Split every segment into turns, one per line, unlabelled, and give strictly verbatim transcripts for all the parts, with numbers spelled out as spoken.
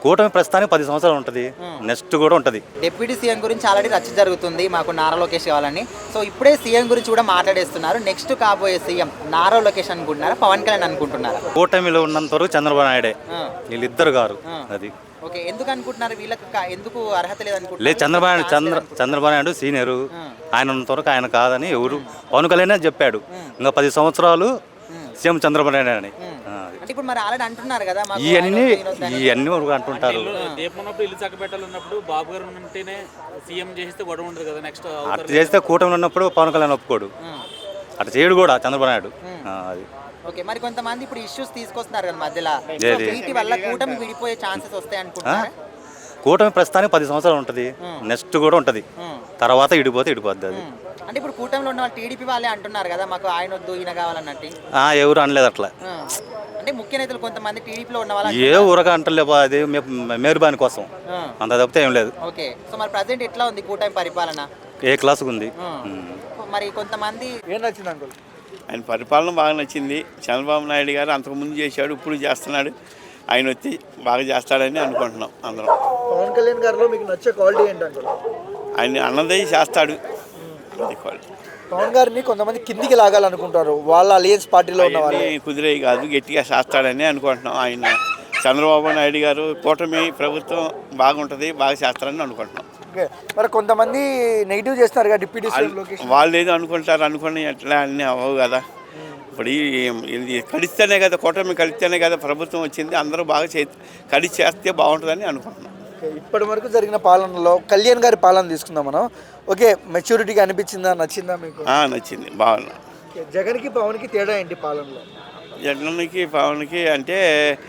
కూటమి ప్రస్తుతానికి పది సంవత్సరాలు ఉంటుంది, నెక్స్ట్ కూడా ఉంటుంది.
డిప్యూటీ సీఎం గురించి ఆల్రెడీ రచ్చ జరుగుతుంది, మాకు నారా లోకేష్ కావాలని. సో ఇప్పుడే సీఎం గురించి కూడా మాట్లాడేస్తున్నారు. నెక్స్ట్ కాబోయే సీఎం నారా లోకేష్ అనుకుంటున్నారా, పవన్ కళ్యాణ్ అనుకుంటున్నారా?
కూటమిలో ఉన్నంత వరకు చంద్రబాబు నాయుడే, వీళ్ళిద్దరు గారు. అది
ఓకే, ఎందుకు అనుకుంటున్నారు? వీళ్ళకి కా- ఎందుకు అర్హత లేదు అనుకుంటున్నారు?
లేదు, చంద్రబాబు నాయుడు చంద్ర చంద్రబాబు నాయుడు సీనియరు, ఆయన ఉన్నంత వరకు ఆయన కాదని ఎవరు పవన్ కళ్యాణ్ చెప్పాడు. ఇంకా పది సంవత్సరాలు సీఎం చంద్రబాబు నాయుడు అని.
అంటే ఇప్పుడు మరి ఆల్రెడీ అంటున్నారు కదా, మాకు
ఇవన్నీ
ఆయన వద్దు, ఈయన వద్దు అని.
ఇవన్నీ వరకు అంటుంటారు.
దీపన్నప్పుడు ఇల్లు చక్కబెట్టాలన్నప్పుడు బాబు గారు ఉంటేనే సీఎం చేస్తే గొడవ ఉంటుంది కదా. నెక్స్ట్
అట్లా చేస్తే కూటమిలో ఉన్నప్పుడు పవన్ కళ్యాణ్ ఒప్పుకోడు, అట్లా చేయడు కూడా చంద్రబాబు నాయుడు. ఆ, అది
ఓకే, మరి కొంతమంది ఇప్పుడు ఇష్యూస్ తీసుకొస్తున్నారు కదా మధ్యలో,
ఏది?
వీటి వల్ల కూటమి విడిపోయే ఛాన్సెస్ వస్తాయి అనుకుంటున్నారా?
కూటమి ప్రస్తుతానికి పది సంవత్సరాలు ఉంటుంది, నెక్స్ట్ కూడా ఉంటుంది, తర్వాత ఇడిపోతే ఇడిపోద్ది. అది
అంటే ఇప్పుడు కూటమిలో ఉన్న వాళ్ళు టీడీపీ వాళ్ళే అంటున్నారు కదా, మాకు ఆయన వద్దు ఈయన కావాలన్నట్టు.
ఆ, ఎవరు అనలేదు అట్లా.
ఆ. అంటే ముఖ్య నేతలు కొంతమంది టీడీపీలో ఉన్న వాళ్ళు
ఏ ఊరగా అంటలేబా, అది మే- మేరుబాని కోసం
ఆ.
అంత తప్పితే ఏం లేదు.
ఓకే, సో మరి ప్రజెంట్ ఎట్లా ఉంది కూటమి పరిపాలన?
ఏ క్లాసుకు ఉంది.
ఆ.
ఉమ్.
మరి కొంతమంది
ఏం నచ్చింది అంకుల్?
ఆయన పరిపాలన బాగా నచ్చింది. చంద్రబాబు నాయుడు గారు అంతకుముందు చేశాడు, ఇప్పుడు చేస్తున్నాడు. ఆయన వచ్చి బాగా చేస్తాడని అనుకుంటున్నాం అందరం.
పవన్ కళ్యాణ్ గారిలో మీకు నచ్చే క్వాలిటీ ఏంటి అంకుల్?
ఆయన అన్నదే చేస్తాడు, అది క్వాలిటీ.
పవన్ గారిని కొంతమంది కిందికి లాగాలనుకుంటారు, వాళ్ళ అలియన్స్ పార్టీలో ఉన్న వాళ్ళు.
అవన్నీ కుదిరేవి కాదు, గట్టిగా చేస్తాడని అనుకుంటున్నాం. ఆయన చంద్రబాబు నాయుడు గారు కూటమి ప్రభుత్వం బాగుంటుంది, బాగా చేస్తారని అనుకుంటున్నాం.
ఓకే, మరి కొంతమంది నెగిటివ్ చేస్తున్నారు కదా డిప్యూటీ సీఎం
వాళ్ళు-
లోకేష్.
వాళ్ళు ఏదో అనుకుంటారు, అనుకుని ఎట్లా అన్నీ అవ్వవు కదా. ఇప్పుడు ఈ- ఇది కలిస్తేనే కదా, కూటమి కలిస్తేనే కదా ప్రభుత్వం వచ్చింది. అందరూ బాగా చే కలిసి చేస్తే బాగుంటుందని అనుకుంటున్నాం.
ఓకే, ఇప్పటి వరకు జరిగిన పాలనలో కళ్యాణ్ గారి పాలన తీసుకుందాం మనం. ఓకే, మెచ్యూరిటీగా అనిపించిందా, నచ్చిందా మీకు?
ఆ, నచ్చింది, బాగున్నా.
ఓకే, జగన్కి పవన్కి తేడా ఏంటి పాలనలో?
జగన్కి పవన్కి అంటే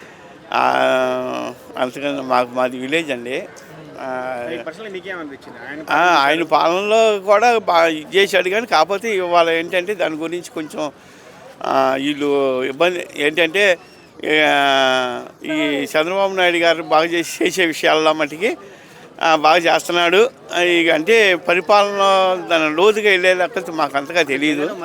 ఆ, అంతకన్నా మాకు మాది విలేజ్ అండి. ఆ, ఆ, ఆయన పాలనలో కూడా బాగా ఇది చేశాడు, కానీ కాకపోతే ఇవాళ ఏంటంటే దాని గురించి కొంచెం ఆ, వీళ్ళు ఇబ్బంది ఏంటంటే ఆ, ఈ చంద్రబాబు నాయుడు గారు బాగా చేసి చేసే విషయాల్లో మటుకి ఆ, బాగా చేస్తున్నాడు. ఇక అంటే పరిపాలన దాని లోతుగా వెళ్ళే లెక్కలు మాకు అంతగా తెలియదు.